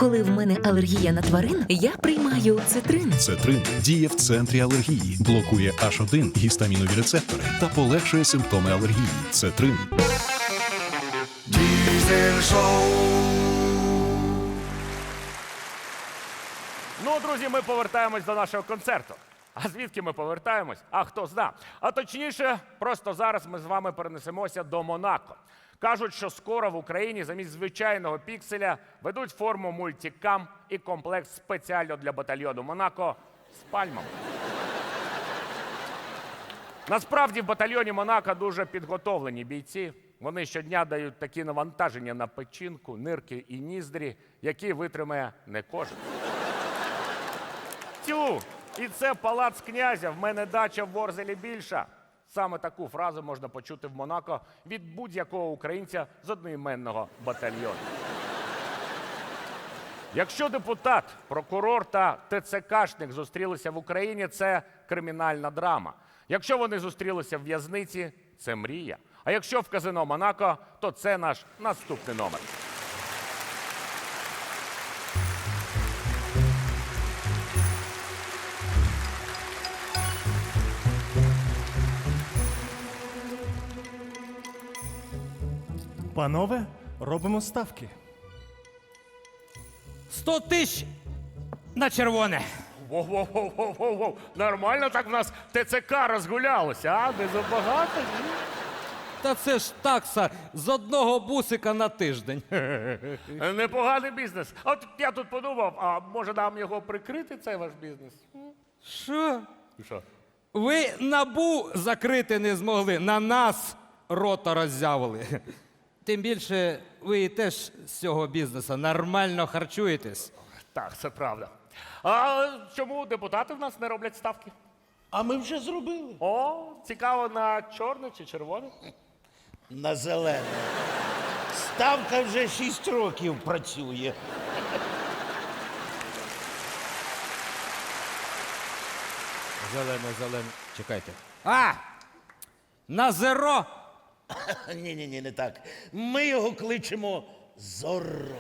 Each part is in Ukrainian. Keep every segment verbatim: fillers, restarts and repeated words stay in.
Коли в мене алергія на тварин, я приймаю цитрин. Цетрин діє в центрі алергії, блокує аш один гістамінові рецептори та полегшує симптоми алергії. Цетрин. Diesel Show. Ну, друзі, ми повертаємось до нашого концерту. А звідки ми повертаємось? А хто зна. А точніше, просто зараз ми з вами перенесемося до Монако. Кажуть, що скоро в Україні замість звичайного пікселя ведуть форму мультикам і комплект спеціально для батальйону Монако з пальмами. Насправді в батальйоні Монако дуже підготовлені бійці. Вони щодня дають такі навантаження на печінку, нирки і ніздрі, які витримає не кожен. Тю, і це палац князя, в мене дача в Ворзелі більша. Саме таку фразу можна почути в Монако від будь-якого українця з одноіменного батальйону. Якщо депутат, прокурор та ТЦКшник зустрілися в Україні, це кримінальна драма. Якщо вони зустрілися в в'язниці, це мрія. А якщо в казино Монако, то це наш наступний номер. Панове, робимо ставки. Сто тисяч на червоне. Воу-воу-воу-воу-воу. Нормально так в нас ТЦК розгулялося, а? Не забагато? Ні? Та це ж такса з одного бусика на тиждень. Непоганий бізнес. А от я тут подумав, а може нам його прикрити, цей ваш бізнес? Що? Що? Ви НАБУ закрити не змогли, на нас рота роззявили. Тим більше ви теж з цього бізнесу нормально харчуєтесь. Так, це правда. А чому депутати в нас не роблять ставки? А ми вже зробили. О, цікаво, на чорне чи червоне? На зелене. Ставка вже шість років працює. Зелене, зелене. Чекайте. А! На зеро! Ні-ні-ні, не так. Ми його кличемо Зорро.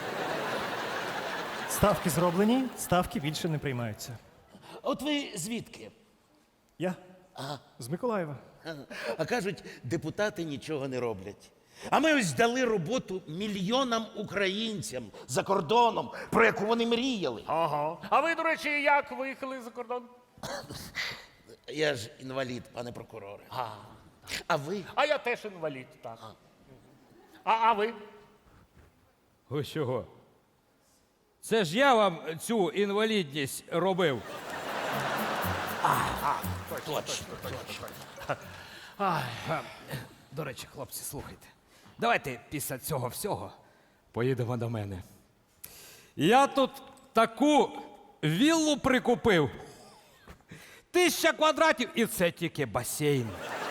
Ставки зроблені, ставки більше не приймаються. От ви звідки? Я? З Миколаєва. А кажуть, депутати нічого не роблять. А ми ось дали роботу мільйонам українцям за кордоном, про яку вони мріяли. Ага. А ви, до речі, як виїхали за кордон? Я ж інвалід, пане прокуроре. А, а ви? А я теж інвалід, так. А, а ви? Ви чого? Це ж я вам цю інвалідність робив. Точно, точно. А, До речі, хлопці, слухайте. Давайте після цього всього поїдемо до мене. Я тут таку віллу прикупив. Тисяча квадратів, і це тільки басейн.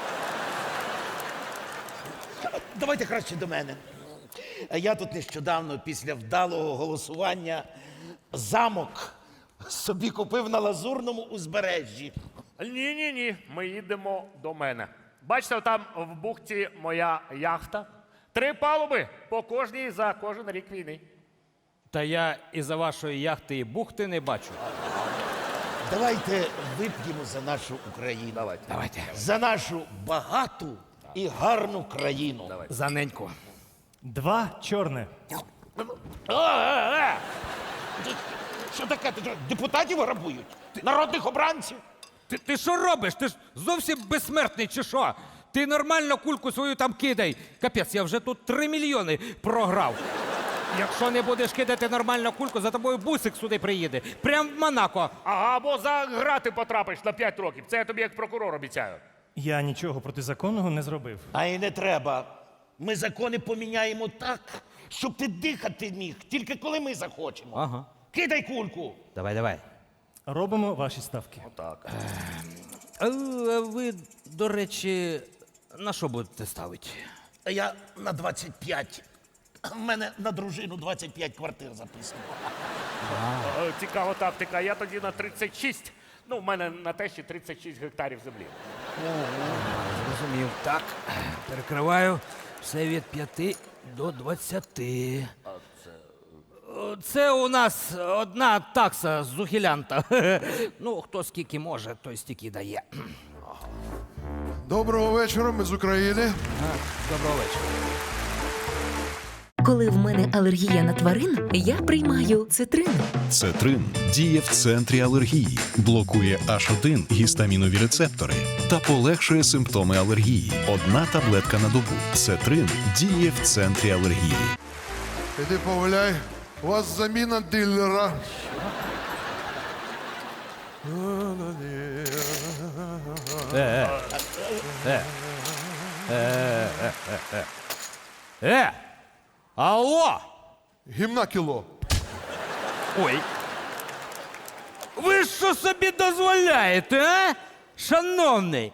Давайте краще до мене. Я тут нещодавно, після вдалого голосування, замок собі купив на Лазурному узбережжі. Ні-ні-ні, ми їдемо до мене. Бачите, там в бухті моя яхта. Три палуби по кожній за кожен рік війни. Та я із-за вашої яхти і бухти не бачу. Давайте вип'ємо за нашу Україну. Давайте. Давайте. За нашу багату і гарну країну. За неньку. Два чорне. А, а, а. Ти- Що таке? Ти що, депутатів грабують? Народних обранців? Ти, ти що робиш? Ти ж зовсім безсмертний чи що? Ти нормально кульку свою там кидай. Капець, я вже тут три мільйони програв. Якщо не будеш кидати нормально кульку, за тобою бусик сюди приїде. Прям в Монако. Ага, або за грати потрапиш на п'ять років. Це я тобі як прокурор обіцяю. Я нічого протизаконного не зробив. А і не треба. Ми закони поміняємо так, щоб ти дихати міг, тільки коли ми захочемо. Ага. Кидай кульку. Давай, давай. Робимо ваші ставки. Так. А ви, до речі, на що будете ставити? А я на двадцять п'ять. В мене на дружину двадцять п'ять квартир записано. Е, Цікава тактика. Я тоді на тридцять шість. Ну, в мене на тещі тридцять шість гектарів землі. Зрозумів. Так, перекриваю все від п'яти до двадцяти. Це у нас одна такса з ухилянта. Ну, хто скільки може, той стільки дає. Доброго вечора, ми з України. Доброго вечора. Коли в мене алергія на тварин, я приймаю цитрин. Цетрин діє в центрі алергії, блокує аш один гістамінові рецептори та полегшує симптоми алергії. Одна таблетка на добу. Цетрин діє в центрі алергії. Іди погуляй, у вас заміна дилера. Е! Алло! Гімна кіло. Ой. Ви що собі дозволяєте, а? Шановний.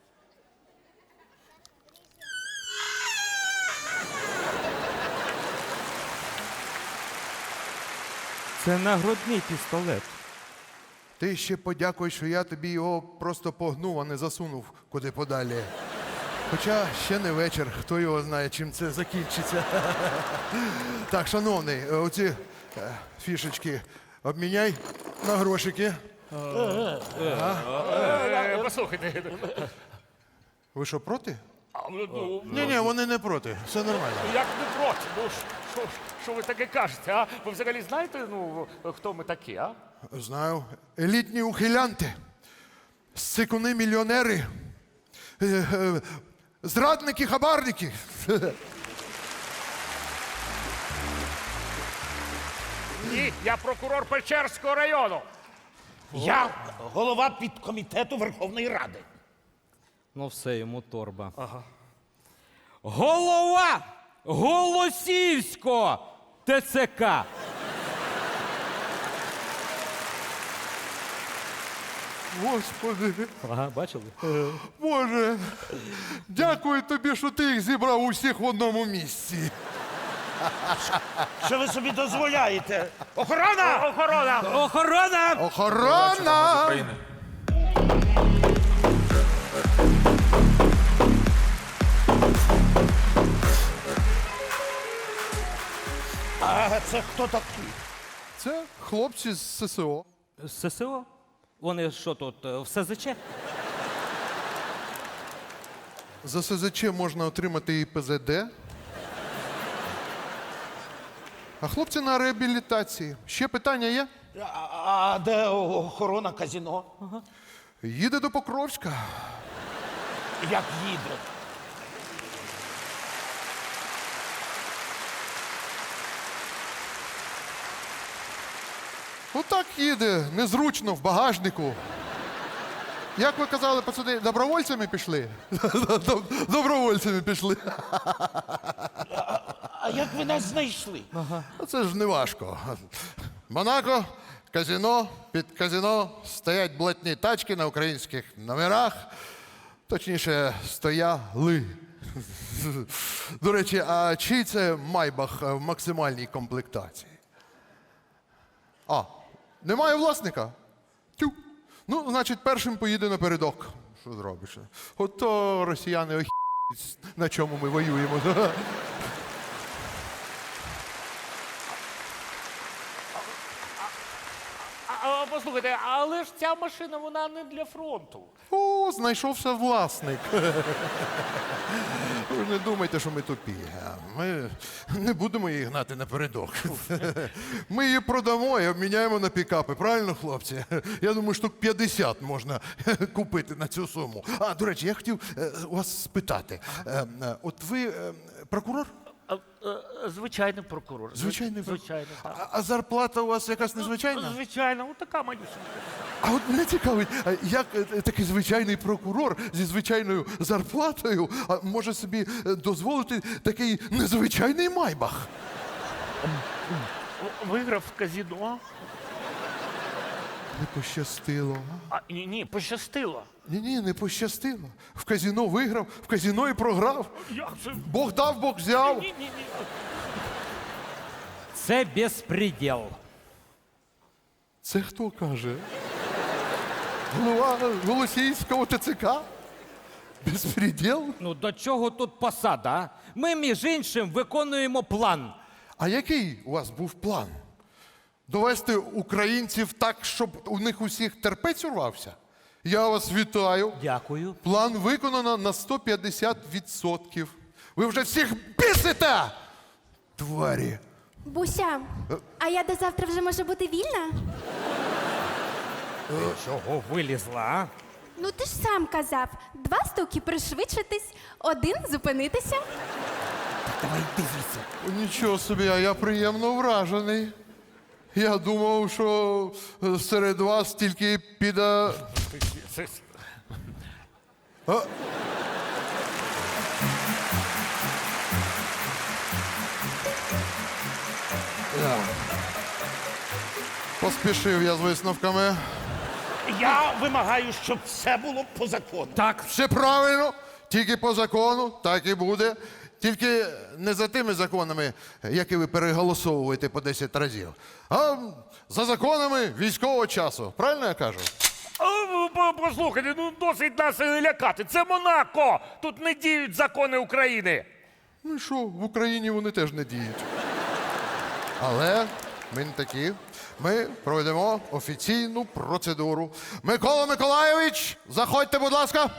Це нагрудний пістолет. Ти ще подякуй, що я тобі його просто погнув, а не засунув куди подалі. Хоча ще не вечір, хто його знає, чим це закінчиться. Так, шановний, оці е, фішечки обміняй на грошики. Е, Послухайте, Ви що, проти? а, ну, Ні, ні, вони не проти. Все нормально. як не проти? Ну, що, що ви таке кажете, а? Ви взагалі знаєте, ну, хто ми такі, а? Знаю. Елітні ухилянти, сикуни мільйонери, е, е, зрадники, хабарники. Ні, я прокурор Печерського району. Я голова підкомітету Верховної Ради. Ну все, йому торба. Ага. Голова Голосіївського ТЦК. Господи, Ага, бачили? Боже, дякую тобі, що ти їх зібрав усіх в одному місці. Що ви собі дозволяєте? Охорона! Охорона! Охорона! Охорона! А це хто такий? Це хлопці з ССО. З ССО? Вони що тут, е, в СЗЧ? За СЗЧ можна отримати і ПЗД. А хлопці на реабілітації. Ще питання є? А, а де охорона казино? Їде до Покровська. Як їде? Отак їде, незручно, в багажнику. Як ви казали, пацани, добровольцями пішли? Добровольцями пішли. А як ви нас знайшли? А це ж не важко. Монако, казино, під казино стоять блатні тачки на українських номерах. Точніше, стояли. До речі, а чий це майбах в максимальній комплектації? А, немає власника? Тю. Ну, значить, першим поїде напередок. Що зробиш? Ото росіяни охі**ють, на чому ми воюємо. А, а, послухайте, але ж ця машина, вона не для фронту. О, знайшовся власник. Ви ж не думайте, що ми тупі. Ми не будемо її гнати напередок. Ми її продамо і обміняємо на пікапи. Правильно, хлопці? Я думаю, штук п'ятдесят можна купити на цю суму. А, до речі, я хотів е, вас спитати. Е, е, От ви е, прокурор? А, е, Звичайний прокурор. Звичайний прокурор. Звичайно, так. А, а зарплата у вас якась незвичайна? Звичайно, така манюсенька. А от мене цікавить, а як е, такий звичайний прокурор зі звичайною зарплатою а, може собі е, дозволити такий незвичайний майбах? Виграв в казино. Не пощастило. а? А, ні, ні, пощастило. Ні-ні, не пощастило. В казино виграв, в казино і програв. Як це? Бог дав, Бог взяв. Ні, ні, ні. Це безпреділ. Це хто каже? Голова Голосіївського ТЦК? Безпреділ? Ну до чого тут посада? А? Ми, між іншим, виконуємо план. А який у вас був план? Довести українців так, щоб у них усіх терпець урвався? Я вас вітаю. Дякую. План виконано на сто п'ятдесят відсотків. Ви вже всіх бісите! Тварі. Буся, а я до завтра вже можу бути вільна? Чого вилізла, а? Ну ти ж сам казав, два стуки пришвидшитись, один зупинитися. Давай дивіться. Нічого собі, а я приємно вражений. Я думав, що е, серед вас тільки піде. А? Я. Поспішив я з висновками. Я вимагаю, щоб все було по закону. Так, Все правильно, тільки по закону, так і буде. Тільки не за тими законами, які ви переголосовуєте по десять разів, а за законами військового часу. Правильно я кажу? А, по- Послухайте, ну досить нас е, лякати. Це Монако! Тут не діють закони України. Ну і що, в Україні вони теж не діють. Але ми не такі. Ми проведемо офіційну процедуру. Микола Миколайович, заходьте, будь ласка.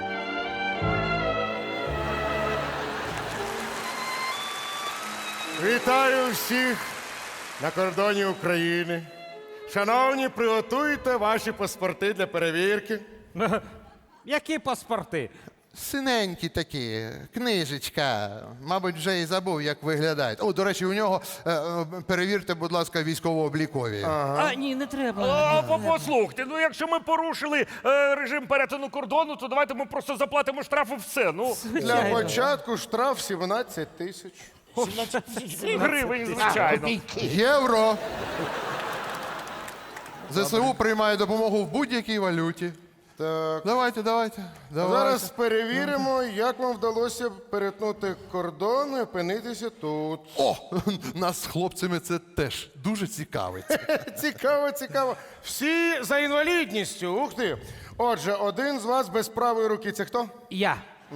Вітаю всіх на кордоні України. Шановні, приготуйте ваші паспорти для перевірки. які паспорти? Синенькі такі, книжечка. Мабуть, вже і забув, як виглядають. О, до речі, у нього е, е, перевірте, будь ласка, військово-облікові. А, ні, не треба. А, по- послухайте, ну якщо ми порушили е, режим перетину кордону, то давайте ми просто заплатимо штраф і все. Ну, Для початку штраф сімнадцять тисяч. гривень, звичайно. Євро. ЗСУ приймає допомогу в будь-якій валюті. Так. Давайте, давайте. давайте. Зараз перевіримо, як вам вдалося перетнути кордон і опинитися тут. О, нас з хлопцями це теж дуже цікавить. Цікаво, цікаво. Всі за інвалідністю. Ух ти. Отже, один з вас без правої руки це хто? Я.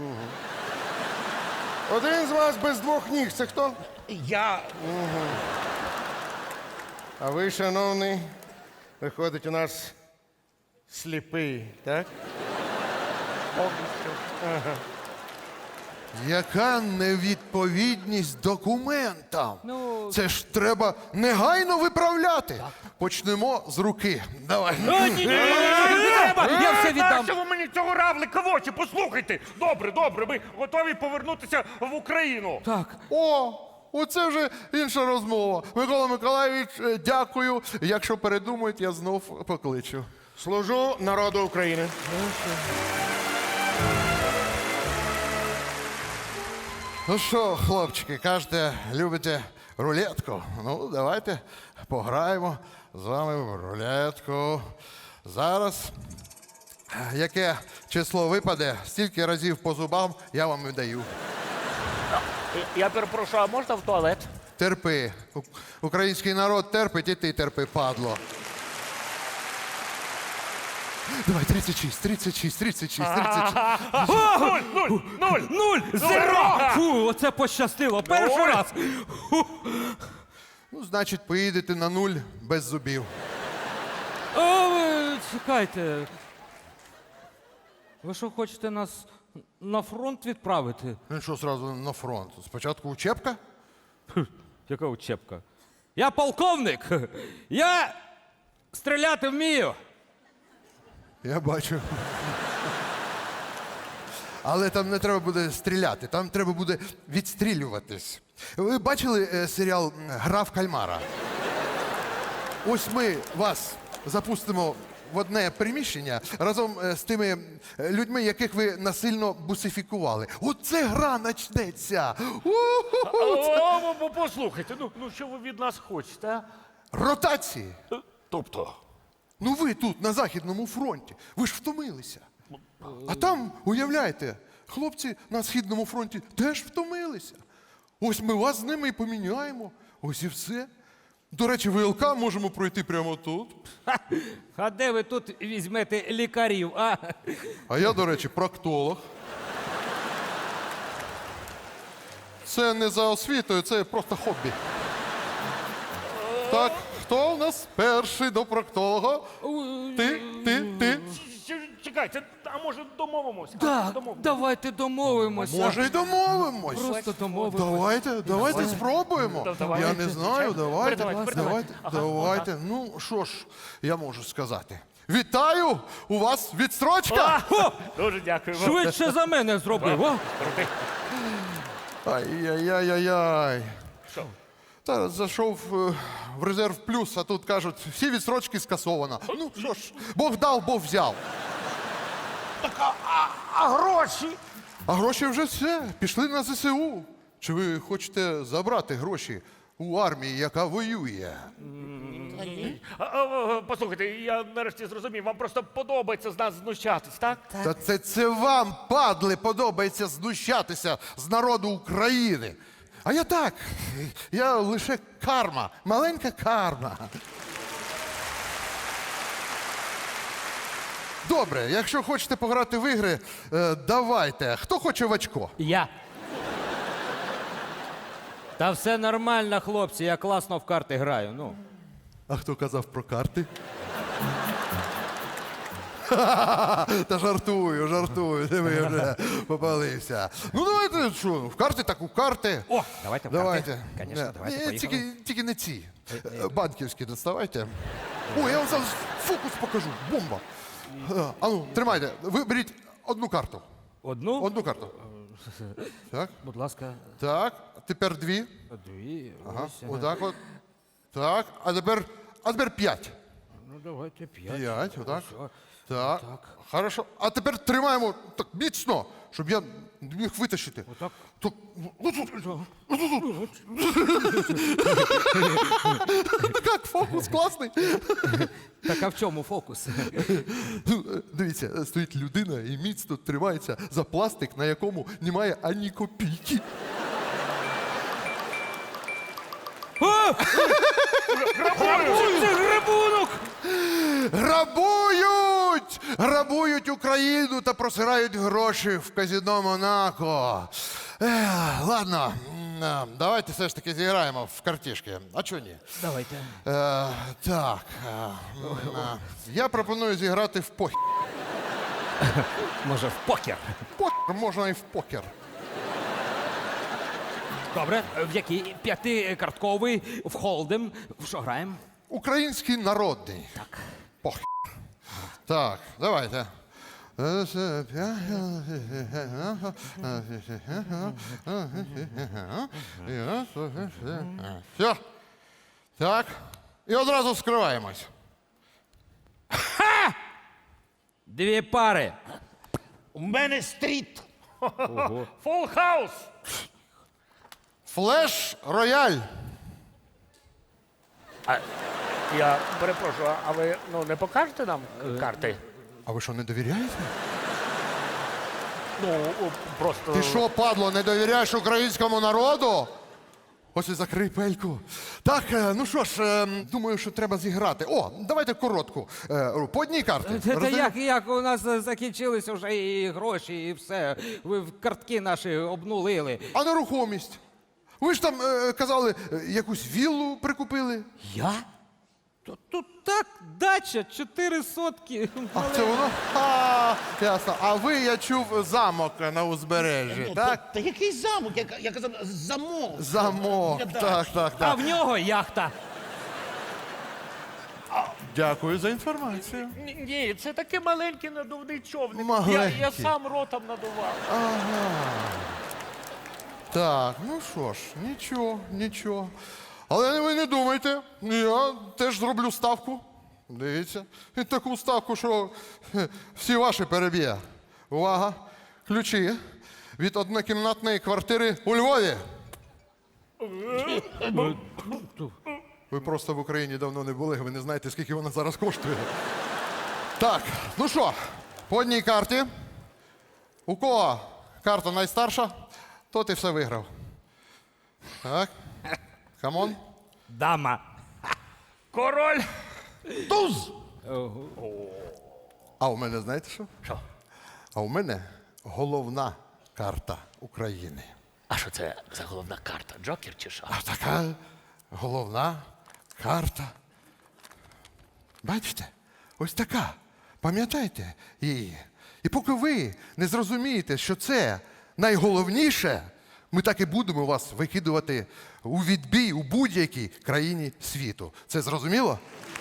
Один з вас без двох ніг це хто? Я А ви, шановний, виходить у нас сліпий, так? Яка невідповідність документам? Ну- Це ж треба негайно виправляти. Почнемо з руки. Давай. Ні, ні, ні, не треба, я все віддам. Нащо ви мені цього равлика в очі? Послухайте. Добре, добре, ми готові повернутися в Україну. Так. О, оце вже інша розмова. Микола Миколайович, е, дякую. Якщо передумають, я знов покличу. Служу народу України. Ну що, хлопчики, кажете, любите рулетку? Ну, давайте пограємо з вами в рулетку. Зараз, яке число випаде, стільки разів по зубам я вам видаю. Я перепрошую, а можна в туалет? Терпи. У- Український народ терпить, і ти терпи, падло. Давай, тридцять шість, тридцять шість, тридцять шість, тридцять шість. Нуль, нуль, нуль. Нуль! Зеро! Фу, оце пощастило. Перший Ой. раз. Ну, значить, поїдете на нуль без зубів. О, ви чекайте. Ви що, хочете нас на фронт відправити? Ну що, зразу на фронт? Спочатку учебка? Яка учебка? Я полковник. Я стріляти вмію. Я бачу. Але там не треба буде стріляти, там треба буде відстрілюватись. Ви бачили е, серіал Гра в кальмара? Ось ми вас запустимо в одне приміщення разом е, з тими е, людьми, яких ви насильно бусифікували. Оце гра начнеться. У-ху-ху. О, о, о, послухайте, ну, ну що ви від нас хочете, а? Ротації. Тобто? Ну ви тут, на Західному фронті, ви ж втомилися. А там, уявляєте, хлопці на Східному фронті теж втомилися. Ось ми вас з ними і поміняємо. Ось і все. До речі, ВЛК можемо пройти прямо тут. А де ви тут візьмете лікарів, а? А я, до речі, проктолог. Це не за освітою, це просто хобі. Так, хто хто у нас перший до проктолога? Ти, ти, ти. Ч- Чекайте, а може домовимося? Так, Домовимося. давайте домовимося. Може, й домовимось. Просто домовимося. Давайте, давайте спробуємо. Да, давайте. Я не знаю, давайте, Передавайте, давайте, передавайте. Ага, давайте. Ну, що ж, я можу сказати. Вітаю! У вас відстрочка! А, дуже дякую вам. Швидше за мене зробив. О! Крутий. Ай-яй-яй-яй-яй. Що? Та зайшов е, в резерв плюс, а тут кажуть, всі відстрочки скасовано. Ну що ж, Бог дав, Бог взяв. А гроші? А гроші вже все, пішли на зе се у. Чи ви хочете забрати гроші у армії, яка воює? А, а, а, Послухайте, я нарешті зрозумів, вам просто подобається з нас знущатись, так? Та це, це вам, падли, подобається знущатися з народу України. А я так, я лише карма, маленька карма. Добре, якщо хочете пограти в ігри, е, давайте. Хто хоче в очко? Я. Та все нормально, хлопці, я класно в карти граю. Ну. А хто казав про карти? Та жартую, жартую, де ви вже попалився. Ну давайте, що, в карти так у карти. О, давайте в карти. Давайте. Конечно, Ні, давайте, ні, поїхали. тільки, тільки не ці. Е, Банківські доставайте. О, я вам зараз фокус покажу. Бомба. Е, А ну, тримайте. Ви беріть одну карту. Одну? Одну карту. Так, Будь ласка, так. Тепер дві. дві. Ага. Ось, ага. Отак от. Так. А тепер, а тепер п'ять. Ну, давайте п'ять. П'ять, отак. Все. Так. Так. Хорошо. А тепер тримаємо так міцно, щоб я не міг витащити. Отак. Так, як фокус класний. Так а в чому фокус? Ну, е, Дивіться, е, стоїть людина і міцно тримається за пластик, на якому немає ані копійки. Це грабунок! Грабують! Грабують Україну та просирають гроші в казино Монако. Ех, ладно, м, е, давайте все ж таки зіграємо в картішки. А чого ні? Давайте. Е, так. е, м, е, я пропоную зіграти в покер. Може, в покер? Покер можна і в покер. Добре, в який? П'ятикартковий, в холдем. В що граємо? Український народний. Так. Покер. Так, давайте. Все. Так. І одразу скриваємось. Дві пари. У мене стріт. Фул хаус! Флеш рояль. А, я перепрошую, а ви ну, не покажете нам карти? А ви що, не довіряєте? Ну, о, просто. Ти що, падло, не довіряєш українському народу? Ось і закрий пельку. Так, е, ну що ж, е, думаю, що треба зіграти. О, давайте коротку. Е, По одній карті. Та, та Роздаємо? як, як у нас е, закінчилися вже і гроші, і все. Ви в картки наші обнулили. А нерухомість? Ви ж там е, казали, е, якусь віллу прикупили. Я? Тут, тут так, дача, чотири сотки. А це воно? А, ясно. А ви, я чув, замок на узбережжі, Ну, так? Та, та який замок? Я, я казав, замок. Замок. Я Так, так, А так. в нього яхта. Дякую за інформацію. Ні, ні, це такий маленький надувний човник. Я, Маленький. я сам ротом надував. Так, ну що ж, нічого, нічого. Але ви не думайте, я теж зроблю ставку. Дивіться. І таку ставку, що хе, всі ваші переб'є. Увага! Ключі від однокімнатної квартири у Львові. Ви просто в Україні давно не були, ви не знаєте, скільки вона зараз коштує. Так, ну що, по одній карті. У кого карта найстарша, тот і все виграв. Так. Камон. Дама. Король! Туз! А у мене знаєте що? Що? А у мене головна карта України. А що це за головна карта? Джокер чи що? А така головна карта Бачите? Ось така. Пам'ятайте її. І поки ви не зрозумієте, що це найголовніше, ми так і будемо вас викидувати у відбій у будь-якій країні світу. Це зрозуміло?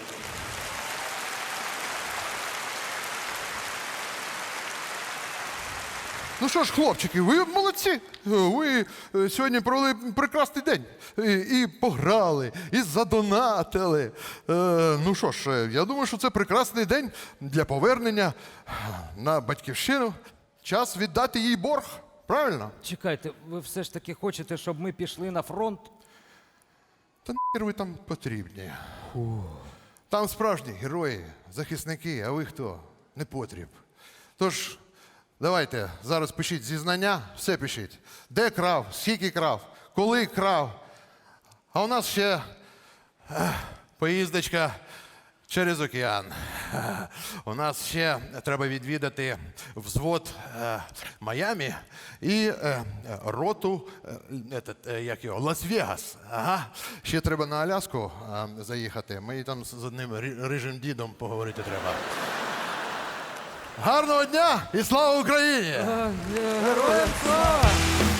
Ну що ж, хлопчики, ви молодці. Ви е, сьогодні провели прекрасний день. І, і пограли, і задонатили. Е, ну що ж, е, я думаю, що це прекрасний день для повернення на батьківщину. Час віддати їй борг. Правильно? Чекайте, ви все ж таки хочете, щоб ми пішли на фронт? Та нахер ви там потрібні. Там справжні герої, захисники, а ви хто? Не потріб. Тож, давайте, зараз пишіть зізнання, все пишіть. Де крав, скільки крав, коли крав. А у нас ще ех, поїздочка через океан. Ех, У нас ще треба відвідати взвод е, Майамі і е, роту, е, етот, е, як його, Лас-Вегас. Ага. Ще треба на Аляску е, заїхати. Ми там з одним ри- рижим дідом поговорити треба. Гарного дня і слава Україні! Героям слава!